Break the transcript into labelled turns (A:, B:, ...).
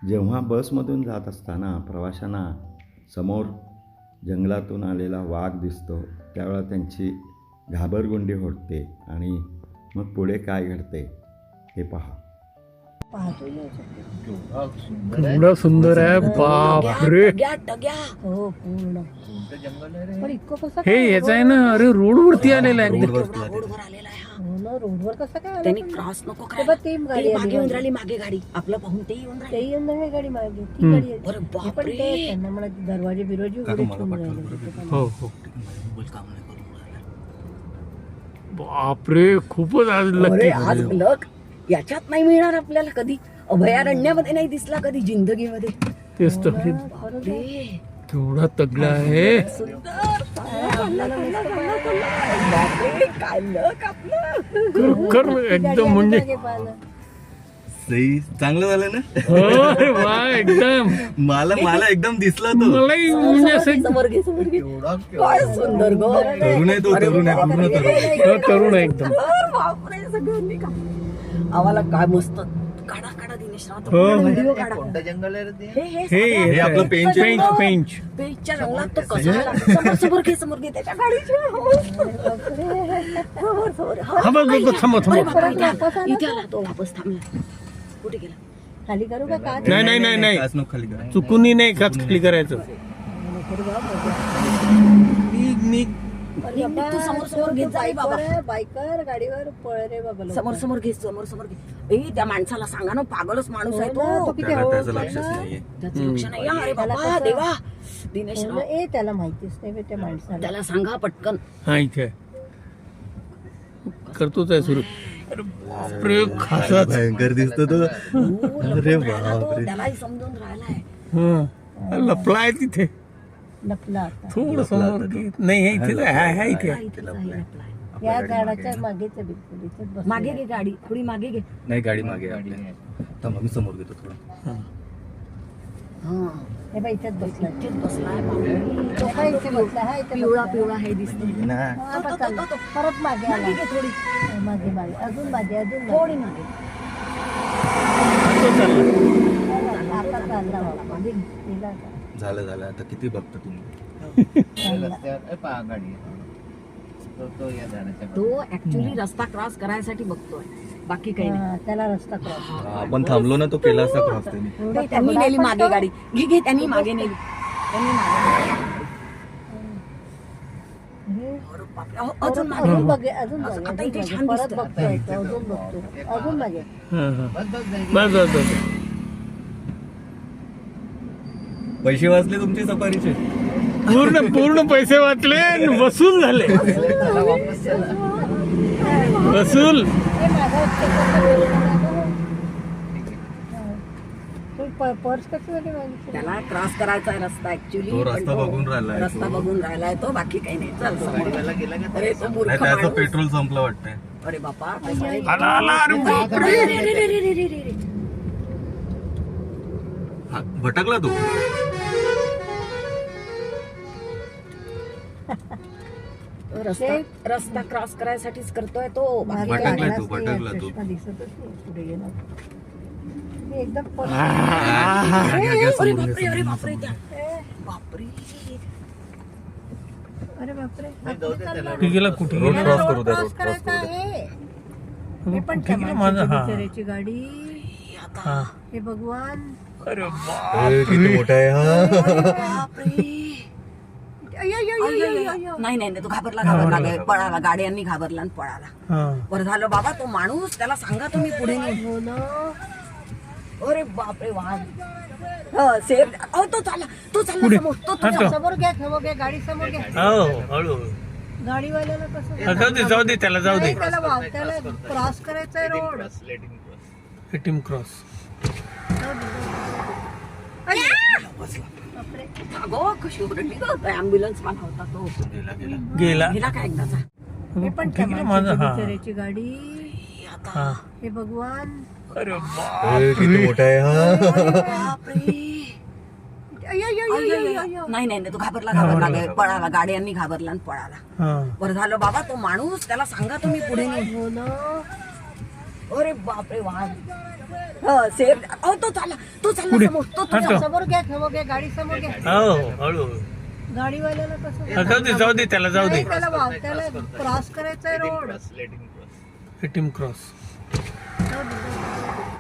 A: जेव्हा बसमधून जात असताना प्रवाशांना समोर जंगलातून आलेला वाघ दिसतो त्यावेळेला त्यांची घाबरगुंडी होते आणि मग पुढे काय घडते हे पहा.
B: एवढा सुंदर आहे, बापरे.
C: हो पूर्ण पण इतकं कसं
B: हे याच आहे ना, अरे रोड वरती आलेला आहे.
C: रोडवर आलेला आहे हा.
D: हो ना, रोडवर कसं काय आलं
C: त्यांनी
D: पण?
C: क्रॉस नको
D: ते
C: करायला.
D: बघ, ती गाडी
C: ते
D: आली
C: मागे येऊन
D: मागे.
C: राहिली, मागे गाडी आपलं पाहून ते येऊन
D: ते
C: राहिले.
D: येऊन नाही गाडी मागे ती गाडी
C: अरे
D: आली. हे पण
C: बापरे.
D: ते त्यांना मला दरवाजे बिरवाजे उघडे ठेवून राहिले.
B: हो हो,
C: मोबाईल काम नाही करून राहिला.
B: बापरे, खूपच आज
C: अरे
B: लकी
C: आज लक याच्यात नाही मिळणार आपल्याला कधी, अभयारण्यामध्ये नाही दिसला कधी जिंदगीमध्ये.
B: तेच तर.
C: बापरे.
B: तेवढा तगडा आहे.
C: सुंदर. बापरे, काय लक आपलं.
B: कर एकदम म्हणजे
D: मागे पाहिलं.
E: सही चांगलं झालं ना.
B: अरे वा, एकदम
E: मला एकदम दिसला तो.
B: मलाही म्हणजे असं
C: समोर घे, समोर घे. काय सुंदर गो.
E: तरुण आहे तो, तरुण आहे, पूर्ण तरुण.
B: तरुण आहे एकदम.
C: बापरे, सगळ्यांनी का आम्हाला काय मस्त काढा काढा दिनेश राव,
B: हो.
C: व्हिडिओ काढा.
E: जंगल आहे रे ते.
B: हे
E: आपलं पेंच आहे.
B: पेंच
C: पेजच्या रंगात तो कसा आला. समोर घे त्याच्या गाडीच्या. समोर.
B: हा बघ बघ, थांबव
C: अरे
B: थांबव.
C: बापरे, इथे आला तो, वापस थांबला. कुठे गेला.
D: खाली करू का काच?
B: नाही
E: काच नको खाली करा.
B: चुकूनही नाही काच खाली करायचं. निघ.
D: अरे बाबा,
C: तू समोर घेत जा रे बाबा.
D: बायकर गाडीवर पळ रे बाबा लवकर.
C: समोर घे. ए त्या माणसाला सांगा ना, पागलच माणूस आहे
D: हो ना, तो
C: तो.
D: किती
E: त्याला
D: हळू
E: त्याचं
D: होता
E: लक्षच
D: ना.
E: नाहीये.
C: त्याचं लक्ष नाही. अरे
D: त्याला
C: बाबा
D: कसं-
C: देवा दिनेश
D: हो
C: राव,
D: ना, ए त्याला माहितीच नाही बे त्या माणसाला.
C: त्याला सांगा पटकन.
B: हा इथे करतोच आहे सुरू. अरे बापरे, खासाच.
E: भयंकर दिसतो तो. अरे बापरे.
C: त्यालाही समजून राहिलाय.
B: हा, लपलाय तिथे.
D: लपला आता.
B: थोडं समोर घे. नाही हे इथेच आहे. हा इथे आहे.
C: इथेच आहे, लपलाय.
D: या झाडाच्या मागेच आहे बिलकुल इथेच बसलेला.
C: मागे घे गाडी, थोडी मागे घे.
E: नाही गाडी मागे आहे आपल्या. थांबा मी समोर घेतो थोडं.
C: हा
D: हे बाई इथेच बसला.
C: इथेच बसलाय बापरे.
D: तो काय इथे बसला हा इथे
C: पिवळा
D: बसला.
C: पिवळा हे दिसतो.
E: ना.
D: हा, आता चालला. परत मागे आला.
C: मागे घे थोडी,
D: मागे मागे अजून मागे
C: थोडी मागे.
B: तो चालला.
D: आता चालला बाबा.
C: मागे घे.
D: गेला आता.
E: झालं आता किती बघता तुम्ही.
C: तो ऍक्च्युली रस्ता क्रॉस करायसाठी बघतोय, बाकी काही नाही.
D: हा, त्याला रस्ता क्रॉस.
E: आपण थांबलो ना तो केला असता क्रॉस त्यांनी.
C: नाही, त्यांनी नेली मागे गाडी. घे त्यांनी मागे नेली. त्यांनी मागे नेली. अरे बापरे, अहो, अजून मागे.
D: अजून बघे अजून
C: असं
D: बघे
C: आता इथे
D: अजून
C: छान
D: बघे. परत
C: दिसतं.
D: बघतोय तो, अजून बघतो अजून मागे.
B: हा, हा. बस.
E: पैसे वाचले तुमचे सफारीचे.
B: पूर्ण पैसे वाचले आणि वसूल झाले. वसूल.
D: हे मागं तू पर्स कशी वाली मागितली?
C: त्याला क्रॉस करायचा आहे रस्ता ऍक्च्युली.
E: तो रस्ता बघून राहिलाय तो.
C: रस्ता बघून राहिलाय तो, बाकी काही नाही. चल समोर. अरे तो मूर्ख
E: नाही त्याचं
C: माणूस.
E: पेट्रोल संपलं वाटतंय.
C: अरे बापा, कसा आहे?
B: आला. अरे बापरे.
C: रे.
E: हा, भटकला तू.
C: रस्ता क्रॉस करायसाठीच करतोय तो, बाकी
D: मागे
C: काही नाही.
E: भटकलाय तू,
D: लागलाच नाही,
E: भटकला तू.
D: चष्मा दिसतच नाही पुढे गेला. मी एकदम पर्स-
C: अरे बापरे, त्या. बापरे.
D: अरे बापरे
B: कुठे गेला कुठे
E: रोड
B: गेला?
E: क्रॉस करू द्या,
D: क्रॉस
E: रोड क्रॉस
D: करायचा
E: करू द्या.
D: आहे. हे पण
B: कुठे गेला माझा?
D: माझ्या
B: हा
D: बिचाऱ्याची गाडी.
B: हा.
D: हे भगवान.
B: अरे
E: अरे, किती मोठा आहे हा.
C: बापरे.
D: अय्यो, अय्यो, अय्यो, अय्यो, अय्यो.
C: नाही तो घाबरला पळाला. गाड्यांनी घाबरला आणि पळाला.
B: हा.
C: बरं झालं बाबा, तो माणूस, त्याला सांगा तुम्ही पुढे नाही.
D: हो ना.
C: अरे बापरे, वाघ. सेफ. अहो तो चालला
B: पुढे.
C: समोर. तो
B: हा, तो.
D: समोर घ्या गाडी समोर घ्या.
B: हो, हळू.
D: गाडीवाल्याला कसं
B: जाऊ दे त्याला जाऊ दे.
D: नाही, त्याला क्रॉस करायचा रोड.
B: Team cross.
D: बापरे.
C: अगो कशी ओरडली गं. ऍम्ब्युलन्स वाला होता तो.
B: गेला.
C: गेला काय एकदाचा.
D: हे पण
B: कुठे गेला माझा? हा.
D: बिचाऱ्याची गाडी.
B: हा.
D: हे भगवान.
B: अरे
E: अरे, किती मोठा आहे हा.
C: बापरे.
D: अय्यो, अय्यो, अय्यो, अय्यो, अय्यो.
C: नाही तो घाबरला. पळाला. गाड्यांनी घाबरला आणि पळाला.
B: हा.
C: बरं झालं बाबा, तो माणूस, त्याला सांगा तुम्ही पुढे नाही.
D: हो ना.
C: अरे बापरे, वाघ. सेफ. अहो तो चालला
B: पुढे.
C: समोर. तो
B: हा, तो.
D: समोर घ्या गाडी समोर घ्या.
B: हो हळू
D: गाडीवाल्याला कसं
B: जाऊ दे त्याला जाऊ दे.
D: नाही, त्याला क्रॉस करायचा रोड.
B: Team cross.
D: जाऊ दे.